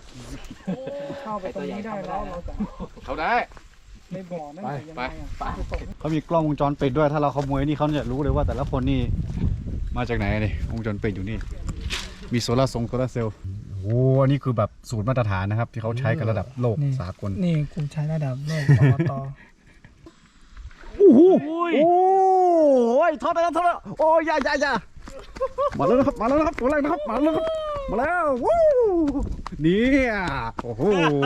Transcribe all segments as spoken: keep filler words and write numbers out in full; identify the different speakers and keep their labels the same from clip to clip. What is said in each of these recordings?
Speaker 1: เข้าไปตรงนี้ได้แล้วเราจะ
Speaker 2: เขาได้
Speaker 1: ในบ่อนั่นยังไงอ่ะ
Speaker 2: เขามีกล้องวงจรปิดด้วยถ้าเราขโมยนี่เขาจะรู้เลยว่าแต่ละคนนี่มาจากไหนนี่วงจรปิดอยู่นี่มีโซลาร์ทรงโซลาร์เซลล์โอ้อันนี้คือแบบสูตรมาตรฐานนะครับที่เขาใช้กันระดับโลกสากล
Speaker 1: นี่กลุ่มใช้ระดับโลกปตท
Speaker 2: โอ้โหโอ้ยทอดแล้วทอดแล้วโอ้ยอย่าอย่าอย่ามาแล้วนะครับมาแล้วนะครับตัวแรกนะครับมาแล้วครับมาแล้ววู้นี่โอ้โห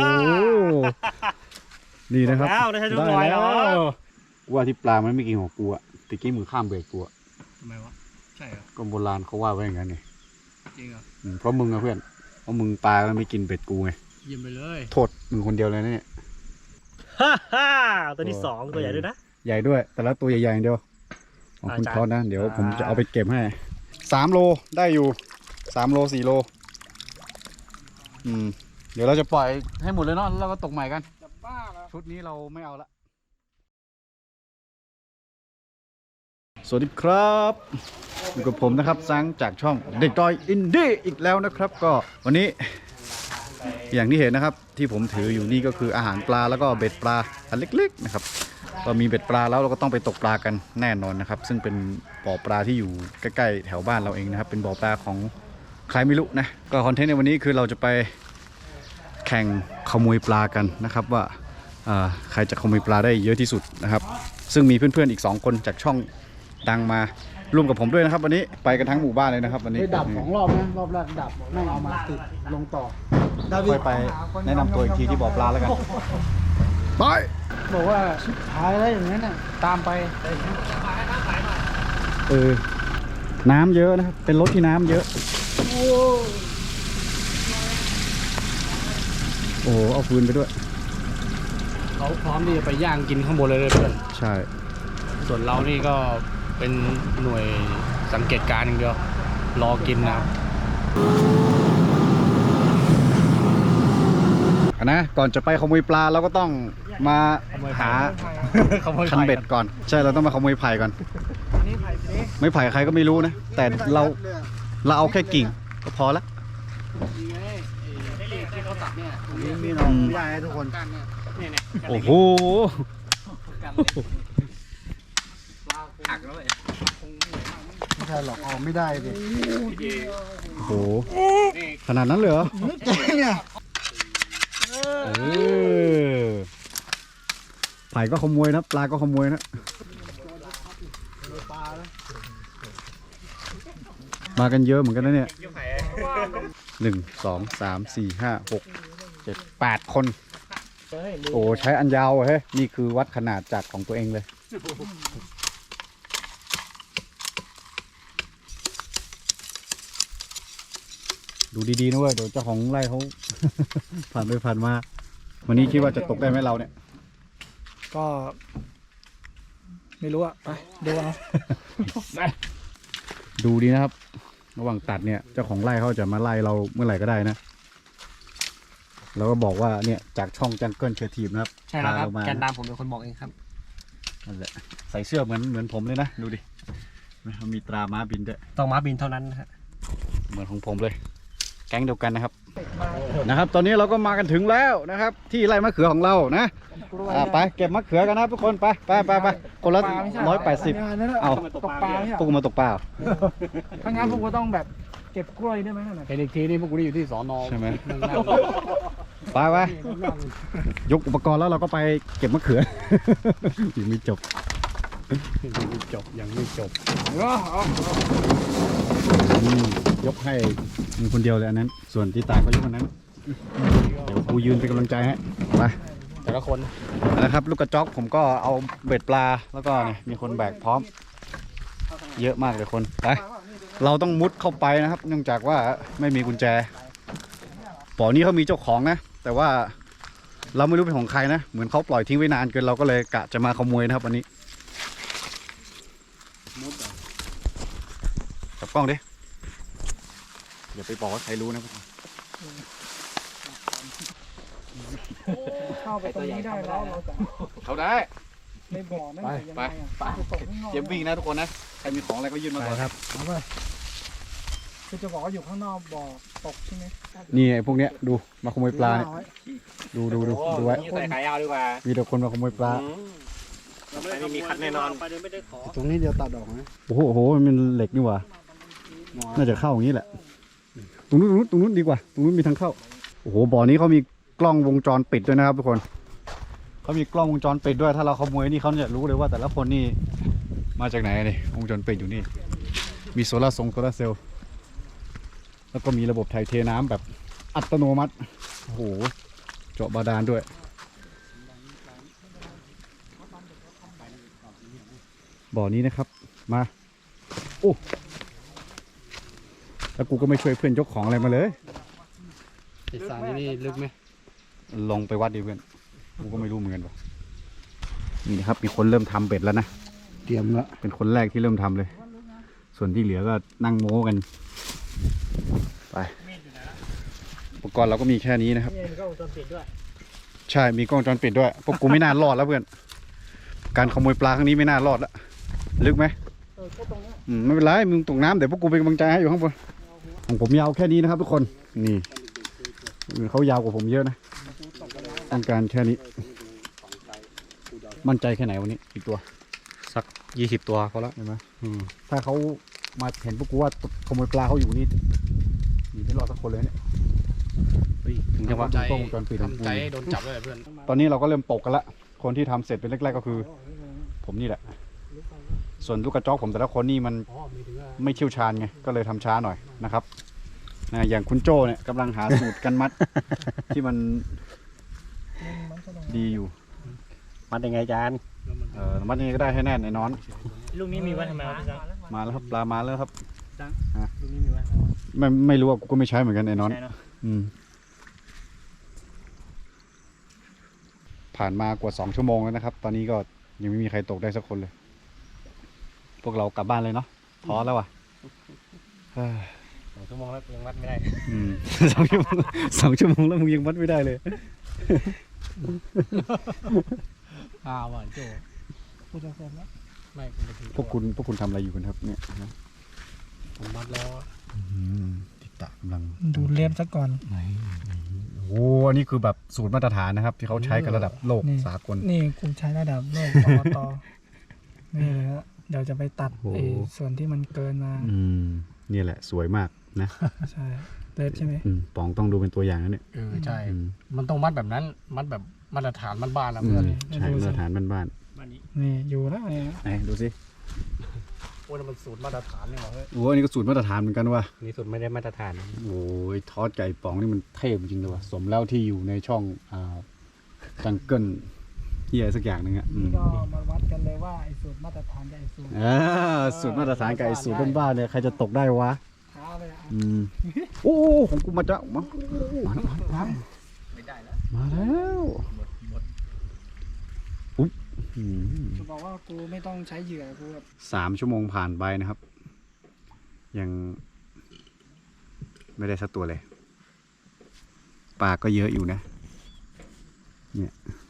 Speaker 2: นี่นะครับได้แล้วว่าที่ปลามันไม่กินของกูอะตะกี้มือข้ามเบรกกูอะ
Speaker 3: ทำไมวะใช่เหรอ
Speaker 2: ก็โบราณเขาว่าไว้อย่างนั้นไง
Speaker 3: จริงเหรอ
Speaker 2: เพราะมึงอะเพื่อนเพราะมึงปลาแล้วไม่กินเบ็ดกูไง
Speaker 3: เยี่ยมไปเลย
Speaker 2: โทษมึงคนเดียวเลยนะเนี่ย
Speaker 3: ฮ่าฮ่าตัวที่สองตัวใหญ่ด้วยนะ
Speaker 2: ใหญ่ด้วยแต่ละตัวใหญ่ๆอย่างเดียวของคุณทอดนะเดี๋ยวผมจะเอาไปเก็บให้สามโลได้อยู่สามโลสี่โลอืมเดี๋ยวเราจะปล่อยให้หมดเลยเนาะแล้วก็ตกใหม่กันชุดนี้เราไม่เอาละสวัสดีครับอยู่กับผมนะครับซังจากช่องเด็กดอยอินดี้อีกแล้วนะครับก็วันนี้อย่างที่เห็นนะครับที่ผมถืออยู่นี่ก็คืออาหารปลาแล้วก็เบ็ดปลาอันเล็กๆนะครับเรามีเบ็ดปลาแล้วเราก็ต้องไปตกปลากันแน่นอนนะครับซึ่งเป็นบ่อปลาที่อยู่ใกล้ๆแถวบ้านเราเองนะครับเป็นบ่อปลาของใครไม่รู้นะก็คอนเทนต์ในวันนี้คือเราจะไปแข่งขโมยปลากันนะครับว่าใครจะขโมยปลาได้เยอะที่สุดนะครับซึ่งมีเพื่อนๆอีกสองคนจากช่องดังมาร่วมกับผมด้วยนะครับวันนี้ไปกันทั้งหมู่บ้านเลยนะครับวันนี้
Speaker 1: ดับสองรอบนะรอบแรกดับไม่เอามาติดลงต่อ
Speaker 2: ค่อยไปแนะนำตัวอีกทีที่บ่อปลาแล้วกันไป
Speaker 1: บอกว่าชิบหายแล้วอย่างนั้นน่ะตามไป
Speaker 2: เออน้ำเยอะนะครับเป็นรถที่น้ำเยอะโอ้โหเอาฟืนไปด้วย
Speaker 3: เขาพร้อมที่จะไปย่างกินข้างบนเลยเลยเพื่อน
Speaker 2: ใช่
Speaker 3: ส่วนเรานี่ก็เป็นหน่วยสังเกตการณ์อย่างเดียวรอกินนะครับ
Speaker 2: นะก่อนจะไปขโมยปลาเราก็ต้องมาหาคันเบ็ดก่อนใช่เราต้องมาขโมยไผ่ก่อนไม่ไผ่ใครก็ไม่รู้นะแต่เราเราเอาแค่กิ่งก็พอละ
Speaker 1: มีน้องใหญ่ทุกคน
Speaker 2: โอ้โห
Speaker 3: หักแล้วเลย
Speaker 1: ไม่ใช่หรอกออกไม่ได้ดิ
Speaker 2: โอ้โหขนาดนั้นเลยเหรอ
Speaker 1: เนี่ย
Speaker 2: เออไผ่ก็ขโมยนะปลาก็ขโมยนะมากันเยอะเหมือนกันนะเนี่ยหนึ่งสองสามสี่ห้าหกเจ็ดแปดคนโอ้ใช้อันยาวเฮ้ยนี่คือวัดขนาดจากของตัวเองเลยดูดีๆนะเว้ยเดี๋ยวเจ้าของไร่เขา ผ่านไปผ่านมาวันนี้คิดว่าจะตกได้ไหมเราเนี่ย
Speaker 1: ก็ไม่รู้อะไปดูเอา
Speaker 2: ดูดีนะครับระหว่างตัดเนี่ยเจ้าของไร่เขาจะมาไล่เราเมื่อไหร่ก็ได้นะเราก็บอกว่าเนี่ยจากช่องจังเกิลเชียร์ทีมนะครับ
Speaker 3: ใช่แล้วครับแกนดำผมเป็นคนบอกเองครับ
Speaker 2: นั่นแหละใส่เสื้อเหมือนเหมือนผมเลยนะดูดิมันมีตราม้าบินด้วย
Speaker 3: ต้องม้าบินเท่านั้นนะฮะ
Speaker 2: เหมือนของผมเลยแก๊งเดียวกันนะครับนะครับตอนนี้เราก็มากันถึงแล้วนะครับที่ไร่มะเขือของเรานะไปเก็บมะเขือกันนะทุกคนไปไปไปไปคนละร้อยแปดสิบเอา
Speaker 1: ตกปลา
Speaker 2: พวกมาตกปลา
Speaker 1: ถ้างั้นพวกกูต้องแบบเก็บกล้วยได้ไหม
Speaker 3: เห็นอีกทีนี่พวกกูนี่อยู่ที่สอนอ
Speaker 2: ใช่ไหมไปไปยกอุปกรณ์แล้วเราก็ไปเก็บมะเขือยังไม่จบ
Speaker 3: ยังไม่จบยังไม่จบ
Speaker 2: ยกให้มึงคนเดียวเลยอันนั้นส่วนที่ตายก็ยกอันนั้นเดี๋ยวกูยืนเป็นกำลังใจให้ไป
Speaker 3: แต่ละคน
Speaker 2: นะครับลูกกระจอกผมก็เอาเบ็ดปลาแล้วก็เนี่ยมีคนแบกพร้อมเยอะมากเลยคนไปเราต้องมุดเข้าไปนะครับเนื่องจากว่าไม่มีกุญแจบ่อนี้เขามีเจ้าของนะแต่ว่าเราไม่รู้เป็นของใครนะเหมือนเขาปล่อยทิ้งไว้นานเกินเราก็เลยกะจะมาขโมยนะครับวันนี้จับกล้องดิอย่าไปบอกว่าใครรู้นะ
Speaker 1: เข้าไปตรงนี้ได้แล้วเราจะ
Speaker 2: เขาได้
Speaker 1: ในบ่อนั่นยังไงอ่ะ
Speaker 2: เตรียมวิ่งนะทุกคนนะใครมีของอะไรก็ยื่นมาก่อน
Speaker 1: ครับเคือจะบอกว่าอยู่ข้างนอกบ่อตกใช่ไหม
Speaker 2: นี่ไอ้พวกเนี้ยดูมาขโมยปลาเนี่ยดูดูดูดูไว้
Speaker 4: ใส่ขายาวดีกว่า
Speaker 2: มีแต่คนมาขโมยปลา
Speaker 4: ไม่มีคัดแน่นอน
Speaker 5: ตรงนี้เดียวตัดออกนะ
Speaker 2: โอ้โหโอ้โหมันเป็นเหล็กนี่หว่าน่าจะเข้าอย่างนี้แหละตรงนู้นตรงนู้นตรงนู้นดีกว่าตรงนู้นมีทางเข้าโอ้โหบ่อนี้เขามีกล้องวงจรปิดด้วยนะครับทุกคนเขามีกล้องวงจรปิดด้วยถ้าเราขโมยนี่เขาจะรู้เลยว่าแต่ละคนนี่มาจากไหนนี่วงจรปิดอยู่นี่มีโซลาร์ทรงโซลาร์เซลล์แล้วก็มีระบบถ่ายเทน้ำแบบอัตโนมัติโอ้โหเจาะบาดาลด้วยบ่อนี้นะครับมาโอ้แล้วกูก็ไม่ช่วยเพื่อนยกของอะไรมาเลย
Speaker 3: ไอ้สายนี่ลึกไหม
Speaker 2: ลงไปวัดดิเพื่อนกูก็ไม่รู้เหมือนกันว่ะนี่นะครับมีคนเริ่มทำเบ็ดแล้วนะเตรียมละเป็นคนแรกที่เริ่มทำเลย ส่วนที่เหลือก็นั่งโม้กันไปอุปกรณ์เราก็มีแค่นี้นะครับ
Speaker 4: มีกล้องวงจรปิดด้วย
Speaker 2: ใช่มีกล้องวงจรปิดด้วยพวกกูไม่น่ารอดแล้วเพื่อนการขโมยปลาครั้งนี้ไม่น่ารอดแล้วลึกไหม
Speaker 1: เออก็ตรงนี้
Speaker 2: อืมไม่เป็นไรมึงตกน้ำเดี๋ยวพวกกูเป็นกำลังใจให้อยู่ข้างบนของผมยาวแค่นี้นะครับทุกคนนี่เขายาวกว่าผมเยอะนะต้องการแค่นี้มั่นใจแค่ไหนวันนี้อีกตัว
Speaker 3: สักยี่สิบตัวพอละ
Speaker 2: เห็นไหมถ้าเขามาเห็นพวกกูว่าขโมยปลาเขาอยู่นี่หนีไม่รอดสักคนเลยเนี่ย
Speaker 3: ถึงจะว่า
Speaker 2: ใจกล้องวงจรปิด
Speaker 3: ทำใจให้โดนจับด้วยเพื่อน
Speaker 2: ตอนนี้เราก็เริ่มตกกันละคนที่ทำเสร็จเป็นแรกๆก็คือ ผมนี่แหละ ส่วนลูกกระจอกผมแต่ละคนนี่มันไม่เชี่ยวชาญไงก็เลยทำช้าหน่อยนะครับนะอย่างคุณโจ้เนี่ยกำลังหาสูตรกันมัด ที่มันดีอยู่
Speaker 4: มัดยังไงจาน
Speaker 2: เออมัดยังไงก็ได้ให้แน่นไอ้นอน
Speaker 4: ลูกนี้มีไว้ทำไมครับพี่จัง
Speaker 2: มาแล้วครับปลามาแล้วครับ
Speaker 4: ลูกนี้มีไว้
Speaker 2: ไม่ไม่รู้อ่ะกูก็ไม่ใช้เหมือนกันไอ้นอน
Speaker 4: ใช่เนาะ
Speaker 2: อืมผ่านมากว่าสองชั่วโมงแล้วนะครับ ตอนนี้ก็ยังไม่มีใครตกได้สักคนเลย พวกเรากลับบ้านเลยเนาะท้อแล้วว่ะเฮ้ย
Speaker 4: สองชั่วโมงแล้วยังมัดไม่ได้
Speaker 2: อืม สองชั่วโมงสองชั่วโมงแล้วมึงยังวัดไม่ได้เลย
Speaker 3: อ้าวว่ะโจ
Speaker 1: กูจะเสร็จแล้ว
Speaker 3: ไม่
Speaker 2: พวกคุณพวกคุณทำอะไรอยู่กันครับเนี่ยนะ
Speaker 3: ผมมัดแล้ว
Speaker 2: ติดตากำลัง
Speaker 1: ดูเล็บซะก่อน
Speaker 2: ไหนโอ้อันนี้คือแบบสูตรมาตรฐานนะครับ ที่เขาใช้กันระดับโลก
Speaker 1: นี่
Speaker 2: สากล
Speaker 1: นี่กูใช้ระดับโลกปอตนี่เลยฮะเดี๋ยวจะไปตัด
Speaker 2: โอ้โห
Speaker 1: ไอ้ส่วนที่มันเกินมา
Speaker 2: อืมนี่แหละสวยมากนะ
Speaker 1: ใช่เล็บใช่ไหม
Speaker 2: อืมปองต้องดูเป็นตัวอย่างนะเนี่ย
Speaker 3: เออใช่
Speaker 2: อืม
Speaker 3: มันต้องมัดแบบนั้น มัดแบบมาตรฐานมันบ้านๆนะเพื่อน
Speaker 2: ใช่มาตรฐานบ้าน
Speaker 4: บ้านนี้
Speaker 1: นี่อยู่แล้วเนี่ย
Speaker 2: ๆไหนดูสิ
Speaker 3: โอ้ยมันสูตรมาตรฐานเลยเหรอเฮ้ย
Speaker 2: โอ้อันนี้ก็สูตรมาตรฐานเหมือนกันว่ะ
Speaker 4: นี่สุดไม่ได้มาตรฐาน
Speaker 2: โอ้ยทอดไก่ปองนี่มันเทพจริงเลยว่ะสมแล้วที่อยู่ในช่องอ่าจังเกิลเฮียสักอย่างหนึงอ่ะอืม
Speaker 1: ก็มาวัดกันเลยว่าไอ้สูตรมาตรฐานกับไอ้สูตร
Speaker 2: อ่าสูตรมาตรฐานกับไอ้สูตรบ้านๆเนี่ยใครจะตกได้วะ
Speaker 1: เท้าเลยอ่ะ
Speaker 2: อืมโอ้ของกูมาจ้ะมามาแล้วมาแล้ว
Speaker 4: ไม่ได้แล้ว
Speaker 2: มาแล้วอุ๊ยอืม
Speaker 1: จะบอกว่ากูไม่ต้องใช้เหยื่อกูแบบ
Speaker 2: สามชั่วโมงผ่านไปนะครับ ยังไม่ได้สักตัวเลยปลาก็เยอะอยู่นะเนี่ย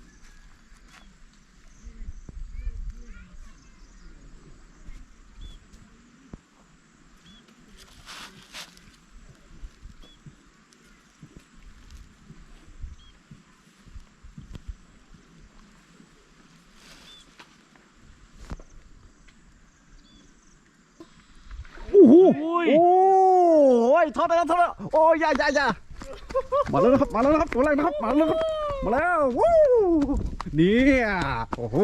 Speaker 2: โอ้โหโอ้ยทอดแล้วทอดแล้วโอ้ยอย่าอย่าอย่ามาแล้วนะครับมาแล้วนะครับตัวแรกนะครับมาแล้วครับมาแล้ววู้เนี่ยโอ้โห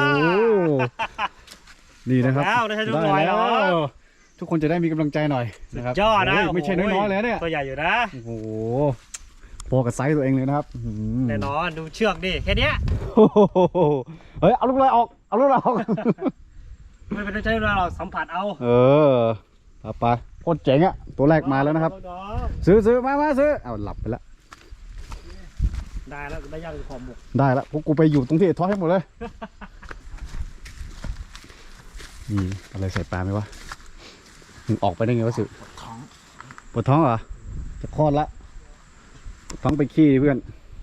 Speaker 2: นี่นะครับ
Speaker 4: แล้วได้ใช้ทุกหน่วย
Speaker 2: ได้
Speaker 4: แล้
Speaker 2: แล้ว วทุกคนจะได้มีกำลังใจหน่อยนะครับ
Speaker 4: ยอดนะ
Speaker 2: โยไม่ใช่น้อยๆเลยนะเนี่ย
Speaker 4: ตัวใหญ่อยู่นะ
Speaker 2: โอ้โหพอกับไซส์ตัวเองเลยนะครับอื้อหือ
Speaker 4: แน่นอนดูเชือกดิแค่เนี้ย
Speaker 2: โอ้โหเฮ้ยเอาลูกเลยออกเอาลูกเลยออก
Speaker 4: ไม่เป็นต้องใช้เวลาหรอกสัมผัสเอา
Speaker 2: เออเอาไปโคตรเจ๋งอะตัวแรกมาแล้วนะครับ ซื้อซื้อมามาซื้อเอาหลับไปแล้ว
Speaker 4: ได้แล้วได้ย่างขอบหมก
Speaker 2: ได้แล้วพวกกูไปอยู่ตรงที่ทอดให้หมดเลย นี่อะไรใส่ปลาไหมวะมึงออกไปได้ไงวะสิปวดท้องปวดท้องเหรอจะคลอดละปวดท้องไปขี้ดิเพื่อน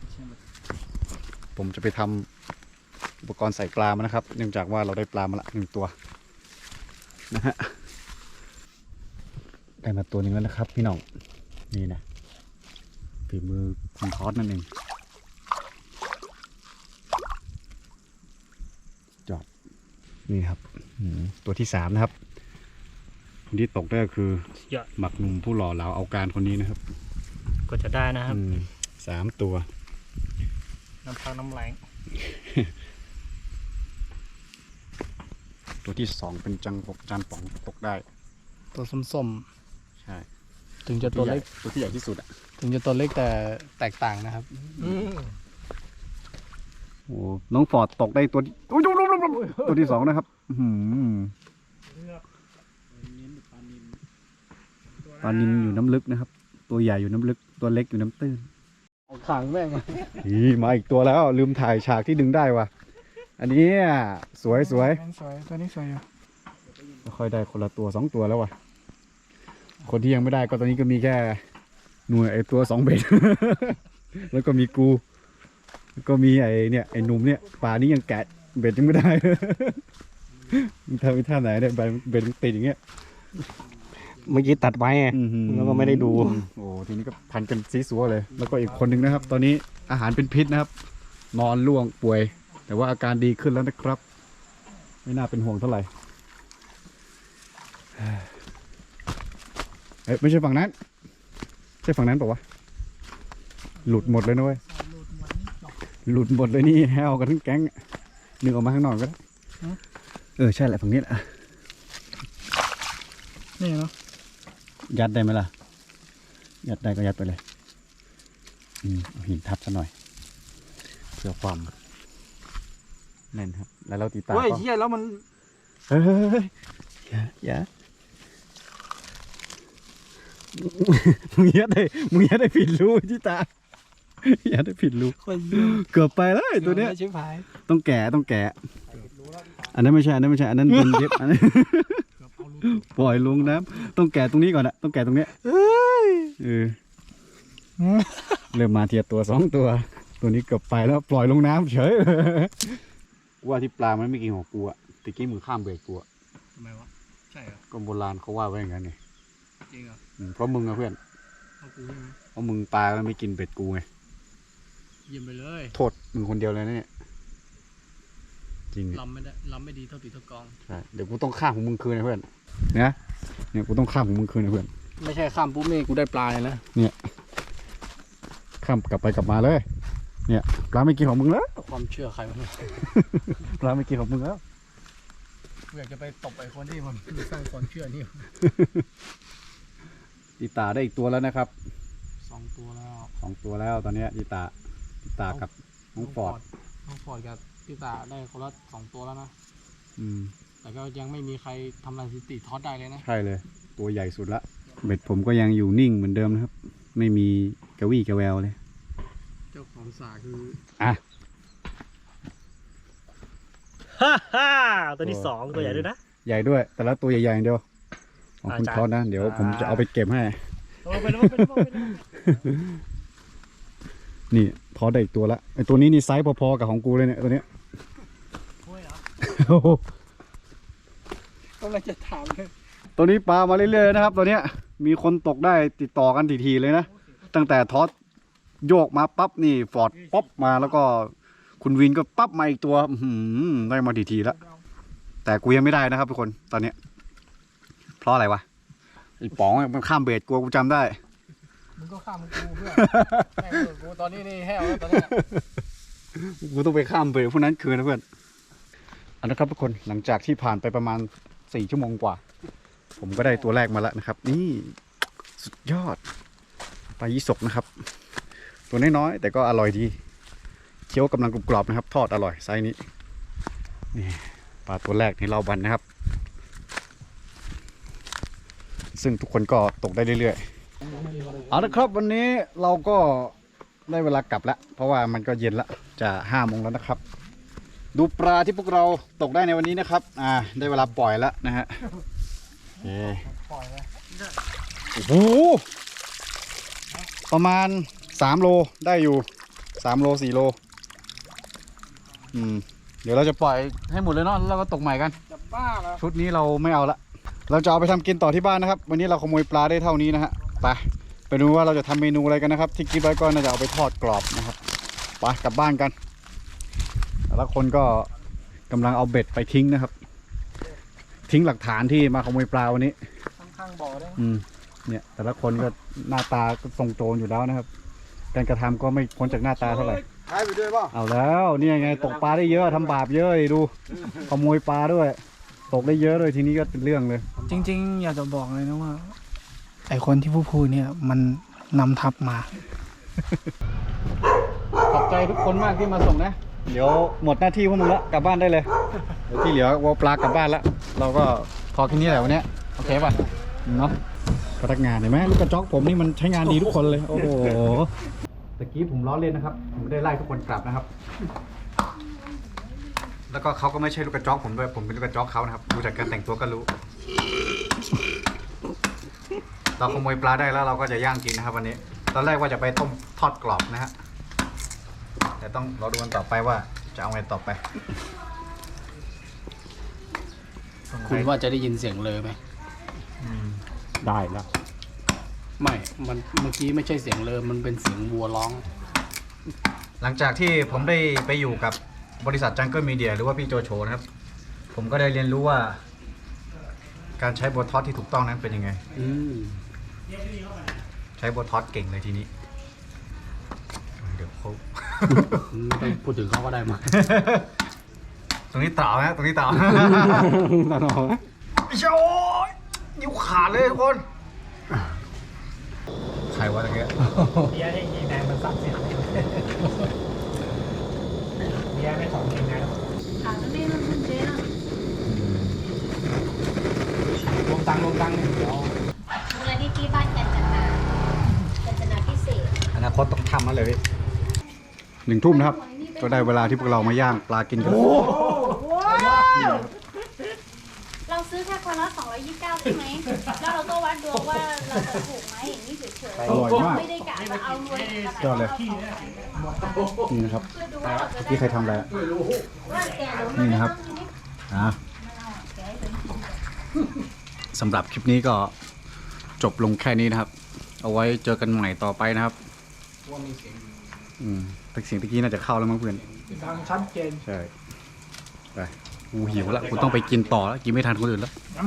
Speaker 2: ผมจะไปทำอุปกรณ์ใส่ปลามานะครับ เนื่องจากว่าเราได้ปลามาละหนึ่งตัวนะฮะได้มาตัวหนึ่งแล้วนะครับพี่น้องนี่นะฝีมือคุณทอดนั่นเองจอดนี่ครับอืมตัวที่สามนะครับคนที่ตกได้ก็คือ
Speaker 4: เยอะ
Speaker 2: หมักหนุ่มผู้หล่อเหลาเอาการคนนี้นะครับ
Speaker 4: ก็จะได้นะครับ
Speaker 2: อืมสามตัว
Speaker 4: น้ำพักน้ำแรง
Speaker 2: ตัวที่สองเป็นจังปกจานป๋องตกได้
Speaker 3: ตัวส้ม
Speaker 2: ใช่
Speaker 3: ๆถึงจะตัวเล็ก
Speaker 2: ตัวที่ใหญ่ที่สุดอ่ะ
Speaker 3: ถึงจะตัวเล็กแต่แตกต่างนะครับ
Speaker 2: โอ้น้องฟอร์ดตกได้ตัวที่อุ๊ยดูดูดูดูตัวที่สองนะครับอื้อหือปลานิลอยู่น้ำลึกนะครับ ตัวใหญ่อยู่น้ำลึกตัวเล็กอยู่น้ำตื้น
Speaker 3: ขังแม่ง
Speaker 2: อีมาอีกตัวแล้วลืมถ่ายฉากที่ดึงได้ว่ะอันนี้สวยสวย
Speaker 1: สวยตัวนี้สวยอยู่
Speaker 2: ค่อยได้คนละตัวสองตัวแล้วว่ะคนที่ยังไม่ได้ก็ตอนนี้ก็มีแค่หน่วยไอตัวสองเบ็ด แล้วก็มีกูแล้วก็มีไอเนี่ยไอหนุ่มเนี่ยป่านี้ยังแกะเบ็ดยังไม่ได้ มึงทำไปท่าไหนเนี่ยเบ็ดเบ็ดมันติดอย่างเงี้ย
Speaker 4: เมื่อกี้ตัดไว้ไง
Speaker 2: อื้อหือ
Speaker 4: แล้วก็ไม่ได้ดู
Speaker 2: โอ้ทีนี้ก็พันกันซีซัวเลย แล้วก็อีกคนหนึ่งนะครับ ตอนนี้อาหารเป็นพิษนะครับ นอนล่วงป่วย แต่ว่าอาการดีขึ้นแล้วนะครับ ไม่น่าเป็นห่วงเท่าไหร่เอ้ยไม่ใช่ฝั่งนั้นใช่ฝั่งนั้นเปล่าวะหลุดหมดเลยนะเว้ยหลุดหมดเลยนี่แฮวกันทั้งแก๊งนึกออกมาข้างนอกก็ได้เออใช่แหละฝั่งนี้แหละ
Speaker 1: นี่เนาะ
Speaker 2: ยัดได้ไหมล่ะ ยัดได้ก็ยัดไปเลยอืมเอาหินทับซะหน่อย เพื่อความแน่นครับ แล้วเราตีตา
Speaker 3: เฮ้ย
Speaker 2: ก็
Speaker 3: เฮียแล้วมัน
Speaker 2: เฮ้ยอย่าอย่ามึงยัดได้มึงยัดได้ผิดรูที่ตายัดได้ผิดรูเกือบไปแล้วไอ้ตัวเนี้ย
Speaker 3: ชิบหาย
Speaker 2: ต้องแกะต้องแกะ อันนั้นไม่ใช่ อันนั้นไม่ใช่ อันนั้นเป็นเย็บอันนั้นปล่อยลงน้ำต้องแกะตรงนี้ก่อนนะต้องแกะตรงเนี้ยเออเริ่มมาเทียตัวสองตัว ตัวนี้เกือบไปแล้วปล่อยลงน้ำเฉยว่าที่ปลามันไม่กินของกูอะตะกี้มือข้ามเบรกกูอะ
Speaker 3: ทำไมวะใช่เหรอ
Speaker 2: ก็โบราณเขาว่าไว้อย่างนั้นไง
Speaker 3: จริงเหรอ
Speaker 2: อืมเพราะมึงอะเพื่อน
Speaker 3: เอากูใช่ไหม
Speaker 2: เพราะมึงปลาแล้วไม่กินเบ็ดกูไง
Speaker 3: เยี่ยมไปเลย
Speaker 2: โทษมึงคนเดียวเลยนะเนี่ยจริงอะ
Speaker 3: ลำไม่ได้ลำไม่ดีเท่าตีเท่ากอง
Speaker 2: ใช่เดี๋ยวกูต้องข้ามของมึงคืนนะเพื่อนเนี่ยเนี่ยกูต้องข้ามของมึงคืนนะเพื่อน
Speaker 3: ไม่ใช่ข้ามปุ๊บนี่กูได้ปลาเลยนะ
Speaker 2: ข้ามกลับไปกลับมาเลย เนี่ยปลาไม่กินของมึงแล้ว
Speaker 3: ความเชื่อใครวะเนี่ย
Speaker 2: ปลาไม่กินของมึงแล้ว
Speaker 3: กูอยากจะไปตบไอ้คนที่มันสร้างความเชื่อนี่
Speaker 2: ตีตาได้อีกตัวแล้วนะครับ
Speaker 3: สองตัวแล้ว
Speaker 2: สองตัวแล้วตอนเนี้ยตีตาตีตากับน้องฟอร์ด
Speaker 3: น้องฟอร์ดกับพี่ตาได้คนละสองตัวแล้วนะ
Speaker 2: อืม
Speaker 3: แต่ก็ยังไม่มีใครทำลายสถิติทอดได้เลยนะ
Speaker 2: ใช่เลย ตัวใหญ่สุดละเบ็ดผมก็ยังอยู่นิ่งเหมือนเดิมนะครับ ไม่มีกระวี่กระแววเลย
Speaker 3: เจ้าของสาคือ
Speaker 2: อ่ะ
Speaker 4: ฮ่าฮ่าตัวที่สองตัวใหญ่ด้วยนะ
Speaker 2: ใหญ่ด้วย แต่ละตัวใหญ่ๆอย่างเดียวของคุณ
Speaker 4: อาจารย์
Speaker 2: ทอดนะเดี๋ยวผมจะ
Speaker 4: อ่า
Speaker 2: เอาไปเก็บให้
Speaker 4: เอาไปแล้วไปแล้วไปแล้ว
Speaker 2: นี่ทอดได้อีกตัวละไอตัวนี้นี่ไซส์พอๆกับของกูเลยเนี่ยตัวเนี้ย
Speaker 4: โอ้ยเหรอ
Speaker 2: โอ้โห
Speaker 1: กำลังจะถามเลย
Speaker 2: ตัวนี้ปลามาเรื่อยๆนะครับ ตัวเนี้ยมีคนตกได้ติดต่อกันทีๆเลยนะตั้งแต่ทอดโยกมาปั๊บนี่ฟอร์ดป๊อปมาแล้วก็คุณวินก็ปั๊บมาอีกตัวอื้อหือได้มาทีๆแล้วแต่กูยังไม่ได้นะครับทุกคนตอนเนี้ยเพราะอะไรวะไอ้ป๋องมันข้ามเบรดกูกูจำได้
Speaker 3: มึงก็ข้ามกูเพื่อนแม่งกูตอนนี้นี่แห้วแล้วตอนนี้
Speaker 2: กูต้องไปข้ามเบรกพวกนั้นคืนนะเพื่อนอันนะครับทุกคนหลังจากที่ผ่านไปประมาณสี่ชั่วโมงกว่า ผมก็ได้ตัวแรกมาแล้วนะครับ นี่สุดยอดปลายี่สกนะครับ ตัวน้อยๆแต่ก็อร่อยดีเคี้ยวกำลังกรอบๆนะครับ ทอดอร่อยไซส์นี้นี่ปลาตัวแรกในเราบันนะครับ ซึ่งทุกคนก็ตกได้เรื่อยๆเอาละครับวันนี้เราก็ได้เวลากลับแล้วเพราะว่ามันก็เย็นละจะห้าโมงแล้วนะครับ ดูปลาที่พวกเราตกได้ในวันนี้นะครับอ่าได้เวลาปล่อยแล้วนะฮะโอเคโอ้โหประมาณสามโลได้อยู่สามโลสี่โลอืมเดี๋ยวเราจะปล่อยให้หมดเลยเนาะแล้วเราก็ตกใหม่กัน
Speaker 1: จะบ้าแล้ว
Speaker 2: ชุดนี้เราไม่เอาละเราจะเอาไปทำกินต่อที่บ้านนะครับ วันนี้เราขโมยปลาได้เท่านี้นะฮะไปไปดูว่าเราจะทำเมนูอะไรกันนะครับ ที่คิดไว้ก็น่าจะเอาไปทอดกรอบนะครับไปกลับบ้านกันแล้วคนก็กำลังเอาเบ็ดไปทิ้งนะครับ ทิ้งหลักฐานที่มาขโมยปลาวันนี้
Speaker 1: ข้างๆบ่อได้
Speaker 2: อืมเนี่ยแต่ละคนก็หน้าตาก็ทรงโจรอยู่แล้วนะครับ การกระทำก็ไม่พ้นจากหน้าตาเท่าไหร่
Speaker 5: หายไปด้วยป่ะ
Speaker 2: เอาแล้วเนี่ยไงตกปลาได้เยอะทำบาปเยอะดิดูขโมยปลาด้วย ตกได้เยอะเลยทีนี้ก็เป็นเรื่องเลย
Speaker 1: จริง ๆ อยากจะบอกเลยนะว่า ไอคนที่ผู้พูดเนี่ยมันนำทัพมา
Speaker 2: ขอบใจทุกคนมากที่มาส่งนะ เดี๋ยวหมดหน้าที่พวกมึงละกลับบ้านได้เลยเดี๋ยวที่เหลือวัวปลากลับบ้านละเราก็พอแค่นี้แหละวันเนี้ยโอเคป่ะเนาะพนักงานเห็นไหมลูกกระจอกผมนี่มันใช้งานดีทุกคนเลยโอ้โหตะกี้ผมล้อเล่นนะครับผมไม่ได้ไล่ทุกคนกลับนะครับ แล้วก็เขาก็ไม่ใช่ลูกกระจอกผมด้วยผมเป็นลูกกระจอกเขานะครับดูจากการแต่งตัวก็รู้ เราขโมยปลาได้แล้วเราก็จะย่างกินนะครับวันนี้ ตอนแรกว่าจะไปต้มทอดกรอบนะฮะแต่ต้องรอดูกันต่อไปว่าจะเอาไงต่อไป
Speaker 3: คุณว่าจะได้ยินเสียงเลยไหม
Speaker 2: ได้แล้ว
Speaker 3: ไม่ มันเมื่อกี้ไม่ใช่เสียงเลยมันเป็นเสียงวัวร้อง
Speaker 2: หลังจากที่ผมได้ไปอยู่กับบริษัท Jungle Media หรือว่าพี่โจโฉนะครับ ผมก็ได้เรียนรู้ว่า การใช้โบทอสที่ถูกต้องนั้นเป็นยังไง
Speaker 3: อืม
Speaker 2: ใช้โบทอสเก่งเลยทีนี้ เดี๋ยวเขา
Speaker 3: ไม่ต้องพูดถึงเขาก็ได้มา
Speaker 2: ตรงนี้เต่านะตรงนี้เต่า
Speaker 3: ตาหนอ
Speaker 2: โอ้ยนิ้วขาดเลยทุกคน ใครวะตะเกีย
Speaker 1: เบียร์ให้ยีแดงมันสับเสียงเบียร์ไม่ถอนเกงในแล้ว
Speaker 6: ขาจะไม่มันมันเจ๊อะ
Speaker 3: ลงตังค์ลงตังค์เดี๋ยว
Speaker 6: มูลนิธิบ้านกันจนากันจนาพิเศษ
Speaker 2: อนาคตต้องทำมาเลยหนึ่งทุ่มนะครับ ก็ได้เวลาที่พวกเรามาย่างปลากินกัน
Speaker 6: เราซื้อแค่คนละสองร้อยยี่สิบเก้าใช่ไหม แล้วเราก็วัดดวงว่าเราจะถูกไหมอย่างนี้เฉยๆ
Speaker 2: อร่อยมาก
Speaker 6: ไม่ได้กะจะเอารวยกับ
Speaker 2: ยอดเลย นี่นะครับ
Speaker 6: เพื่อดูว่าเราจะได้
Speaker 2: ที่ใครทำอะไรอะ
Speaker 6: ว่าแกหรือ
Speaker 2: นี่นะครับ อ่ะสำหรับคลิปนี้ก็จบลงแค่นี้นะครับ เอาไว้เจอกันใหม่ต่อไปนะครับอืมแต่เสียงตะกี้น่าจะเข้าแล้วมั้งเพื่อน
Speaker 1: ดังชัดเจน
Speaker 2: ใช่ ไปกูหิวแล้วกูต้องไปกินต่อแล้ว กินไม่ทันคนอื่นแล้ว